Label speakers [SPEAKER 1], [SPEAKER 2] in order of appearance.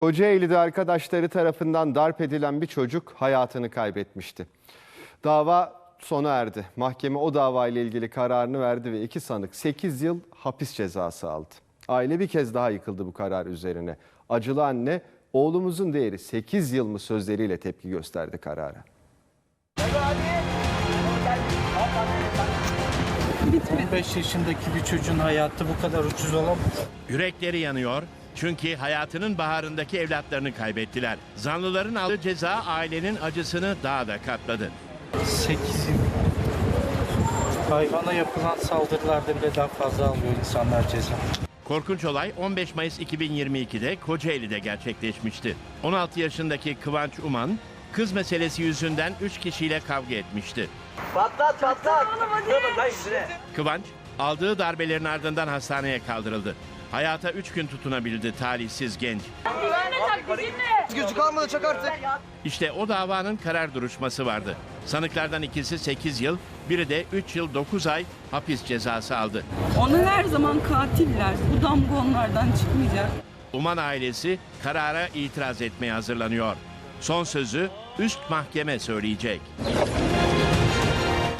[SPEAKER 1] Kocaeli'de arkadaşları tarafından darp edilen bir çocuk hayatını kaybetmişti. Dava sona erdi. Mahkeme o davayla ilgili kararını verdi ve iki sanık 8 yıl hapis cezası aldı. Aile bir kez daha yıkıldı bu karar üzerine. Acılı anne, oğlumuzun değeri 8 yıl mı sözleriyle tepki gösterdi karara.
[SPEAKER 2] 15 yaşındaki bir çocuğun hayatı bu kadar ucuz olamaz.
[SPEAKER 3] Yürekleri yanıyor çünkü hayatının baharındaki evlatlarını kaybettiler. Zanlıların aldığı ceza ailenin acısını daha da katladı.
[SPEAKER 2] 8 yıl. Hayvana yapılan saldırılarda bile daha fazla alıyor insanlar ceza.
[SPEAKER 3] Korkunç olay 15 Mayıs 2022'de Kocaeli'de gerçekleşmişti. 16 yaşındaki Kıvanç Uman, kız meselesi yüzünden 3 kişiyle kavga etmişti.
[SPEAKER 4] Patlat.
[SPEAKER 3] Kıvanç, aldığı darbelerin ardından hastaneye kaldırıldı. Hayata 3 gün tutunabildi talihsiz genç.
[SPEAKER 4] Gözü kalmadı, çak artık.
[SPEAKER 3] İşte o davanın karar duruşması vardı. Sanıklardan ikisi 8 yıl, biri de 3 yıl 9 ay hapis cezası aldı.
[SPEAKER 5] Onlar her zaman katiller. Bu damga onlardan çıkmayacak.
[SPEAKER 3] Uman ailesi karara itiraz etmeye hazırlanıyor. Son sözü üst mahkeme söyleyecek.